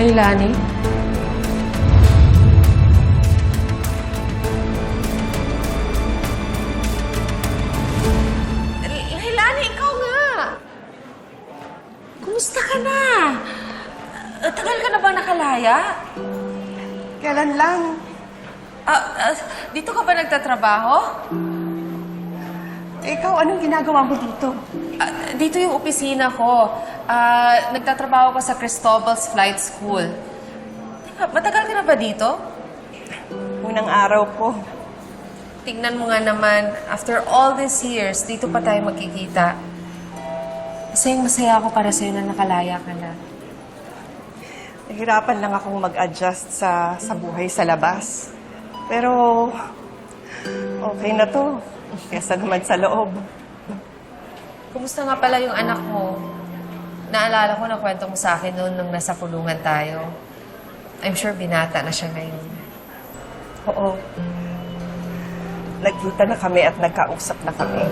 Leilani? Leilani, ikaw nga! Kumusta ka na? Tagal ka na ba nakalaya? Kailan lang? Dito ka ba nagtatrabaho? Ikaw, anong ginagawa mo dito? Dito yung opisina ko. Nagtatrabaho ko sa Cristobal's Flight School. Teka, matagal ka na ba dito? Unang araw ko. Tingnan mo nga naman, after all these years, dito pa tayo magkikita. Masayang-masaya ako para sa'yo na nakalaya ka na. Nahirapan lang akong mag-adjust sa buhay sa labas. Pero, okay na to. Kesa naman sa loob. Kumusta nga pala yung anak mo? Naalala ko na kwento mo sa akin noon nung nasa kulungan tayo. I'm sure binata na siya ngayon. Oo. Nagkita na kami at nagkausap na kami.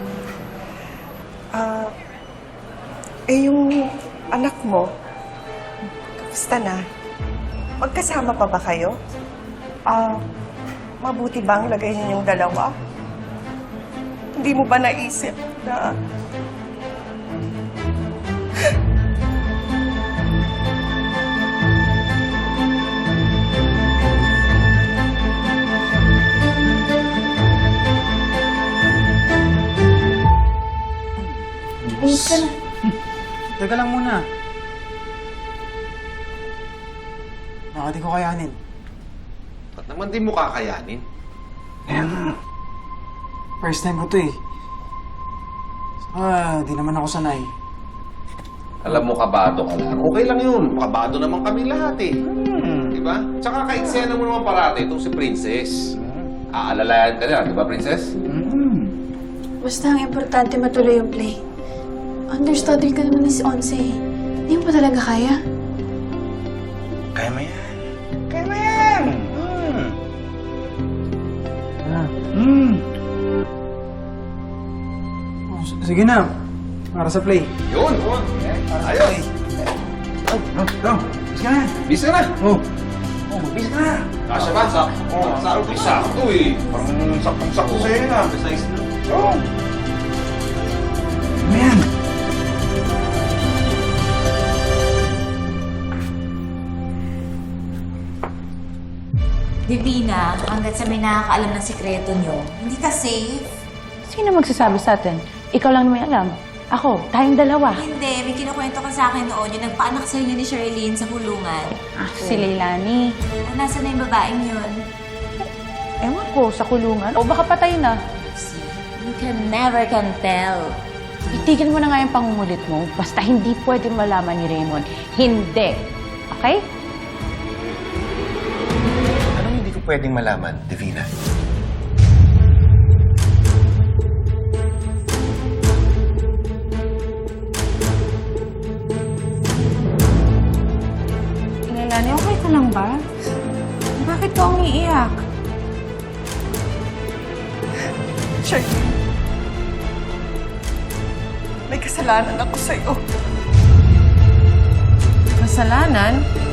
Yung anak mo, kamusta na? Magkasama pa ba kayo? Mabuti bang lagay ninyong dalawa? Hindi mo ba naisip na... Ayos ka na. Teka lang muna. Baka di ko kayanin. Ba't naman di mo kakayanin? First time ko to eh. Saka di naman ako sanay. Alam mo, kabado ka lang. Okay lang yun. Kabado naman kami lahat eh. Di ba? Tsaka kaiksena mo naman parati itong si Princess. Aalalayan ka niya, di ba, Princess? Basta ang importante matuloy yung play. Understudy ka naman ni si Onse. Hindi mo pa talaga kaya? Kaya mo yan. Kaya mo yan. Oh, sige na. Para sa play. Yun! Ayos! Bis ka na. Bis ka na! Oh, Bis ka na. Kasya ba? Sakto eh. Parang saktong-sakto sa'yo yun ah. Precise na. Oo. ano yan? Divina, hanggat sa may nakakaalam ng sikreto nyo, hindi ka safe. Sino magsasabi sa atin? Ikaw lang may alam. Ako, tayong dalawa. Hindi, may kinukwento ka sa akin noon yung nagpaanak sa inyo ni Sherilyn sa kulungan. Si Leilani. Nasaan na yung babaeng yun? Ewan ko, sa kulungan. O baka patay na. See, you never can tell. Itigil mo na nga yung pangungulit mo. Basta hindi pwede malaman ni Raymond. Hindi. Okay? Anong hindi ko pwedeng malaman, Divina? Leilani, okay ka lang ba? Bakit ka umiiyak? Charlene, may kasalanan ako sa'yo. Kasalanan?